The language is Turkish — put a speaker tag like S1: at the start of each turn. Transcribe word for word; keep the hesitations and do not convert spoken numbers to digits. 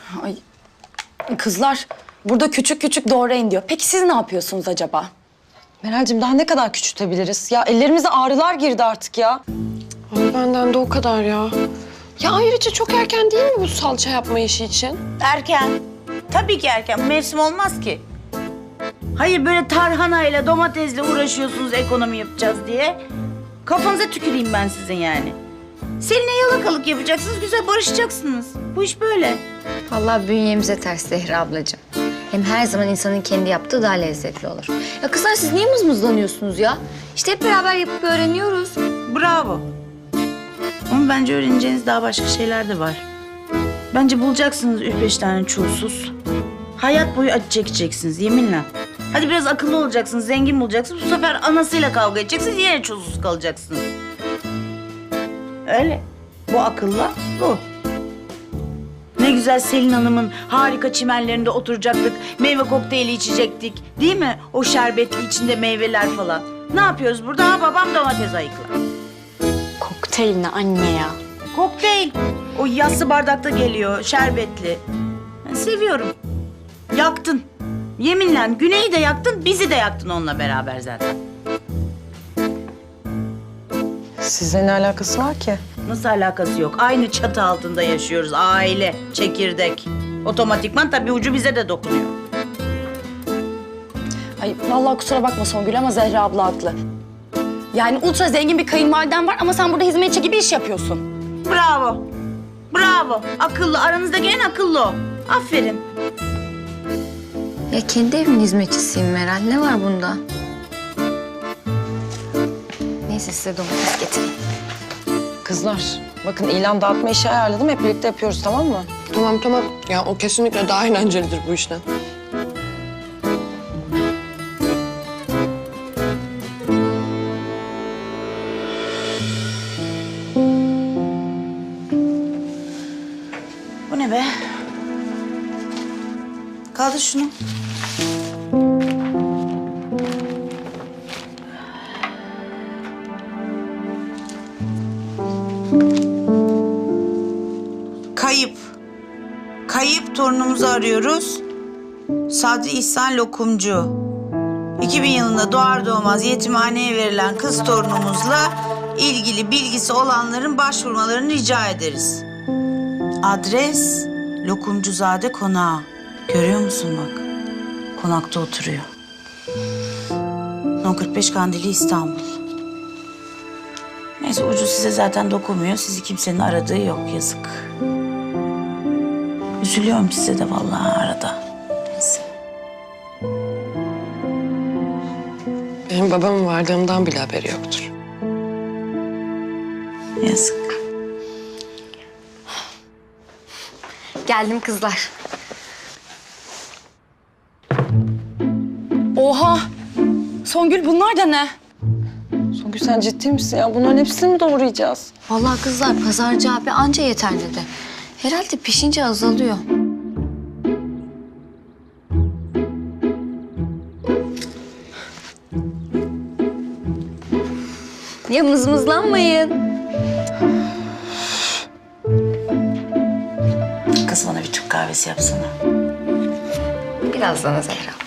S1: Ay kızlar burada küçük küçük doğrayın diyor. Peki siz ne yapıyorsunuz acaba?
S2: Meral'cim daha ne kadar küçültebiliriz? Ya ellerimize ağrılar girdi artık ya.
S3: Ay benden de o kadar ya. Ya ayrıca çok erken değil mi bu salça yapma işi için?
S4: Erken. Tabii ki erken. Mevsim olmaz ki. Hayır böyle tarhanayla, domatesle uğraşıyorsunuz ekonomi yapacağız diye. Kafanıza tüküreyim ben sizin yani. Seninle yalakalık yapacaksınız, güzel barışacaksınız. Bu iş böyle.
S5: Vallahi bünyemize ters Zehra ablacığım. Hem her zaman insanın kendi yaptığı daha lezzetli olur. Ya kızlar siz niye mızmızlanıyorsunuz ya? İşte hep beraber yapıp öğreniyoruz.
S4: Bravo. Ama bence öğreneceğiniz daha başka şeyler de var. Bence bulacaksınız üç beş tane çulsuz. Hayat boyu acı çekeceksiniz yeminle. Hadi biraz akıllı olacaksınız, zengin bulacaksınız. Bu sefer anasıyla kavga edeceksiniz, yine çulsuz kalacaksınız. Öyle. Bu akılla bu. Ne güzel Selin Hanım'ın harika çimenlerinde oturacaktık. Meyve kokteyli içecektik. Değil mi? O şerbetli içinde meyveler falan. Ne yapıyoruz burada? Ha, babam domates ayıkla.
S1: Kokteyl ne anne ya?
S4: Kokteyl. O yassı bardakta geliyor, şerbetli. Ben seviyorum. Yaktın. Yeminle Güney'i de yaktın, bizi de yaktın onunla beraber zaten.
S2: Sizle ne alakası var ki?
S4: Nasıl alakası yok? Aynı çatı altında yaşıyoruz. Aile, çekirdek. Otomatikman tabii ucu bize de dokunuyor.
S1: Ay vallahi kusura bakma Songül ama Zehra abla haklı. Yani ultra zengin bir kayınvaliden var ama sen burada hizmetçi gibi iş yapıyorsun.
S4: Bravo. Bravo. Akıllı. Aranızdaki en akıllı o. Aferin.
S5: Ya kendi evimin hizmetçisiyim Meral. Ne var bunda? Neyse size domates getireyim.
S2: Kızlar bakın ilan dağıtma işi ayarladım. Hep birlikte yapıyoruz tamam mı?
S3: Tamam tamam. Ya o kesinlikle daha eğlencelidir bu işten.
S4: Bu ne be? Kaldır şunu. Kayıp. Kayıp torunumuzu arıyoruz. Sadri İhsan Lokumcu. iki bin yılında doğar doğmaz yetimhaneye verilen kız torunumuzla ilgili bilgisi olanların başvurmalarını rica ederiz. Adres Lokumcuzade Konağı. Görüyor musun bak? Konakta oturuyor. on kırk beş Kandili İstanbul. Neyse ucu size zaten dokunmuyor. Sizi kimsenin aradığı yok yazık. Üzülüyorum size de vallahi arada. Neyse.
S3: Benim babamın vardığımdan bile haberi yoktur.
S4: Yazık.
S5: Geldim kızlar.
S1: Oha! Songül bunlar da ne?
S2: Songül sen ciddi misin ya? Bunların hepsini mi doğrayacağız?
S5: Vallahi kızlar pazarcı abi anca yeter dedi. Herhalde pişince azalıyor. Ya mızmızlanmayın.
S4: Kız bana bir Türk kahvesi yapsana.
S5: Birazdan Zehra.